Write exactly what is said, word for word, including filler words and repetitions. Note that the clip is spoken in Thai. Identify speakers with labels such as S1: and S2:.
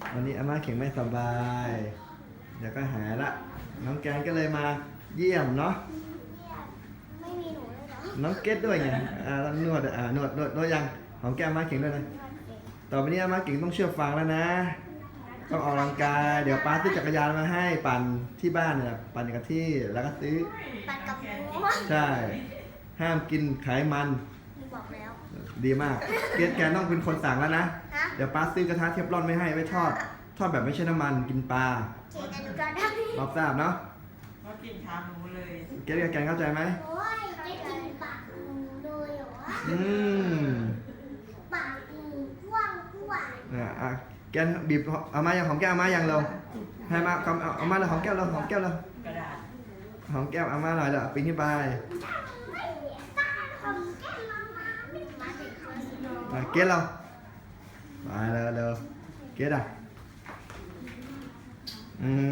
S1: วันนี้อาม่าเข่งไม่สบายเดี๋ยวก็หายละน้องแกนก็เลยมาเยี่ยมเนาะ
S2: ไม่มีหนูเลยเหรอ
S1: น้องเกดด้วยไงอ่านวดอ่านวดนวดนวดยังหอมแก้มอาม่าเข่งด้วยนะต่อไปนี้อาม่าเข่งต้องเชื่อฟังแล้วนะต้องออกกำลังกายเดี๋ยวป้าซื้อจักรยานมาให้ปั่นที่บ้านเนี่ยปั่นกับที่แล้วก็ซื้อ
S2: ปัดกับหนู
S1: ใช่ห้ามกินไขมัน
S2: หนูบอกแล้ว
S1: ดีมากเกดแกต้องเป็นคนสั่งแล้วนะ
S2: ฮะ
S1: เดี๋ยวป้าซื้อกระทะเทฟลอนไม่ให้ไว้ทอดทอดแบบไม่ใช่น้ำมันกินปลา
S2: เจ๊แต่หนูจะทำ
S1: รับทราบเนาะ
S3: เขากินขาหมูเลย
S1: เกดกับแกนเข้าใจไหม
S2: โอ้ยเจ๊กินปากหนูเลยเหรอ
S1: อืม
S2: ปากหนูกว้างกว่า
S1: อ่ะอ่ะแกนบีบเอามาอย่างหอมแก้วเอามาอย่างเราให้มาเอาเอาเอามาเลยหอมแก้วเราหอมแก้วเรา
S3: กระดาษ
S1: หอมแก้วเอามาหน่อยเด้อปีนขึ้นไป
S2: ไม่เสียตาของแก้มมามาไม่มาถึงคนสนอง
S1: อ่ะเกดเราไปเร็วเร็วเกดอ่ะอืม